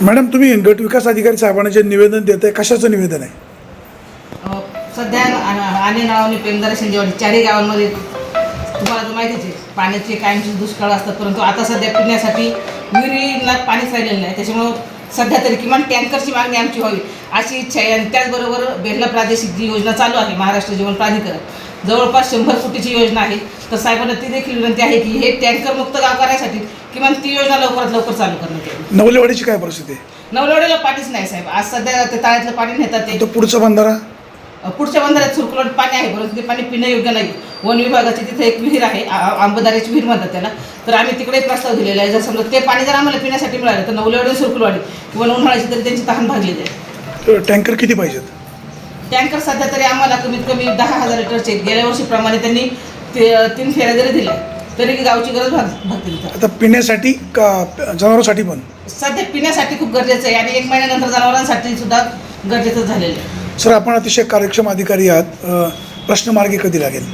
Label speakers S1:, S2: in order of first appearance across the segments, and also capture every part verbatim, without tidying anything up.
S1: Madam, तुम्ही गट विकास अधिकारी साहेबांना जे निवेदन देत आहे, कशाचं निवेदन आहे?
S2: सध्या आणि नावाने पेमदार शिंदेवाडी चारही गावांमध्ये तुम्हाला तर माहितीच आहे पाण्याचे कायमचे दुष्काळ असतात, परंतु आता सध्या पिण्यासाठी विहिरीला पाणीच राहिलेलं नाही. त्याच्यामुळं सध्या तरी किमान टँकरची मागणी आमची व्हावी अशी इच्छा आहे. आणि त्याचबरोबर बेर्ला प्रादेशिक जी योजना चालू आहे महाराष्ट्र जीवन प्राधिकरण, जवळपास शंभर कोटीची योजना आहे. तर साहेबांना ती देखील विनंती आहे की हे टँकरमुक्त गाव करण्यासाठी किमान ती योजना लवकरात लवकर चालू करण्यात यावी.
S1: नवलेवाडीची काय परिस्थिती आहे?
S2: नवलवाडीला पाणीच नाही साहेब. आज सध्या ते तळ्यातलं पाणी नेतात ते.
S1: तो पुढचा बंधारा
S2: पुढच्या बंधाऱ्यात सुरकुलट पाणी आहे, परंतु ते पाणी पिण्यायोग्य नाही. वन विभागाची तिथे एक विहीर आहे, आंबदाऱ्याची विहीर म्हणतात त्याला. तर आम्ही तिकडे प्रस्ताव दिलेला आहे. जर समजा ते पाणी जर आम्हाला पिण्यासाठी मिळालं तर नवलेवाडी सुरकुलवाडी किंवा उन्हाळ्याची तरी त्यांची तहान भागली जाईल.
S1: टँकर किती पाहिजेत?
S2: टँकर सध्या तरी आम्हाला कमीत कमी दहा हजार लिटरचे गेल्या वर्षीप्रमाणे त्यांनी ते तीन फेऱ्या जरी दिल्या तरी गावची गरज भाग भागतील.
S1: आता पिण्यासाठी का जनावरांसाठी पण?
S2: सध्या पिण्यासाठी खूप गरजेचं आहे आणि एक महिन्यानंतर जनावरांसाठी सुद्धा गरजेचं झालेलं आहे.
S1: सर, आपण अतिशय कार्यक्षम अधिकारी आहात, प्रश्न मार्गी कधी लागेल?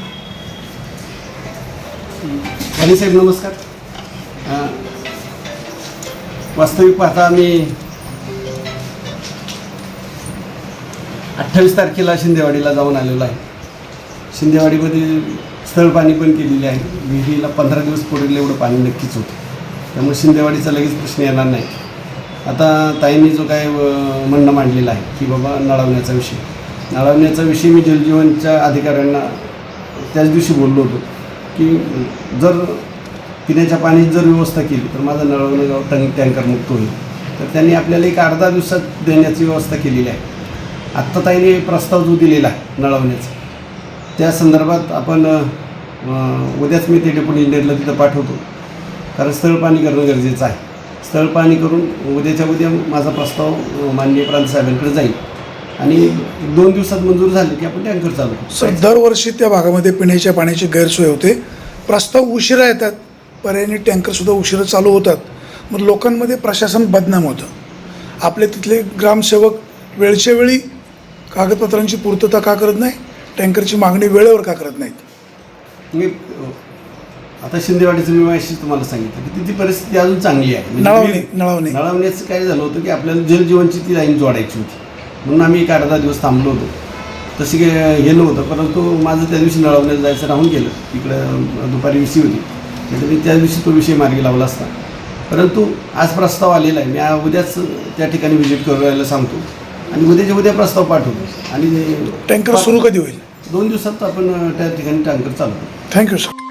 S3: आणि साहेब नमस्कार. वास्तविक पाहता आम्ही अठ्ठावीस तारखेला शिंदेवाडीला जाऊन आलेलो आहे. शिंदेवाडीमध्ये स्थळ पाणी पण केलेले आहे. विहिरीला पंधरा दिवस पुरेल एवढं पाणी नक्कीच होतं, त्यामुळे शिंदेवाडीचा लगेच प्रश्न येणार नाही. आता ताईंनी जो काय म्हणणं मांडलेलं आहे की बाबा नळावण्याचा विषय नळावण्याचा विषय मी जलजीवनच्या अधिकाऱ्यांना त्याच दिवशी बोललो होतो की जर पिण्याच्या पाण्याची जर व्यवस्था केली तर माझं नळवणं गाव टँक टँकरमुक्त होईल. तर त्यांनी आपल्याला एक अर्धा दिवसात देण्याची व्यवस्था केलेली आहे. आत्ता ताईने प्रस्ताव जो दिलेला आहे नळवण्याचा, त्या संदर्भात आपण उद्याच मी ते डेप्युटी इंजिनियरला तिथं पाठवतो, कारण स्थळ पाणी करणं गरजेचं आहे. स्थळ पाणी करून उद्याच्या उद्या माझा प्रस्ताव माननीय प्रांत साहेबांकडे जाईल आणि दोन दिवसात मंजूर झाले की आपण टँकर चालू.
S1: सर, दरवर्षी त्या भागामध्ये पिण्याच्या पाण्याची गैरसोय होते, प्रस्ताव उशिरा येतात, पर्यायाने टँकरसुद्धा उशिरा चालू होतात. मग लोकांमध्ये प्रशासन बदनाम होतं. आपले तिथले ग्रामसेवक वेळच्या वेळी कागदपत्रांची पूर्तता का करत नाही? टँकरची मागणी वेळेवर का करत नाहीत?
S3: मी आता शिंदेवाडीचं मी माहिती तुम्हाला सांगितलं की तिथी परिस्थिती अजून चांगली आहे.
S1: नळावणे नळावणे
S3: नळावण्याचं काय झालं होतं की आपल्याला जलजीवनची ती लाईन जोडायची होती, म्हणून आम्ही एक अर्धा दिवस थांबलो होतो. तशी काय गेलो होतं, परंतु माझं त्या दिवशी नळावण्यात जायचं राहून गेलं. इकडं दुपारी विषय होती, तर मी त्या दिवशी तो विषय मार्गी लावला असता. परंतु आज प्रस्ताव आलेला आहे. मी उद्याच त्या ठिकाणी व्हिजिट करायला सांगतो आणि उद्याच्या उद्या प्रस्ताव पाठवतो. आणि
S1: टँकर सुरू कधी होईल?
S3: दोन दिवसात आपण त्या ठिकाणी टँकर चालवतो.
S1: Thank you sir.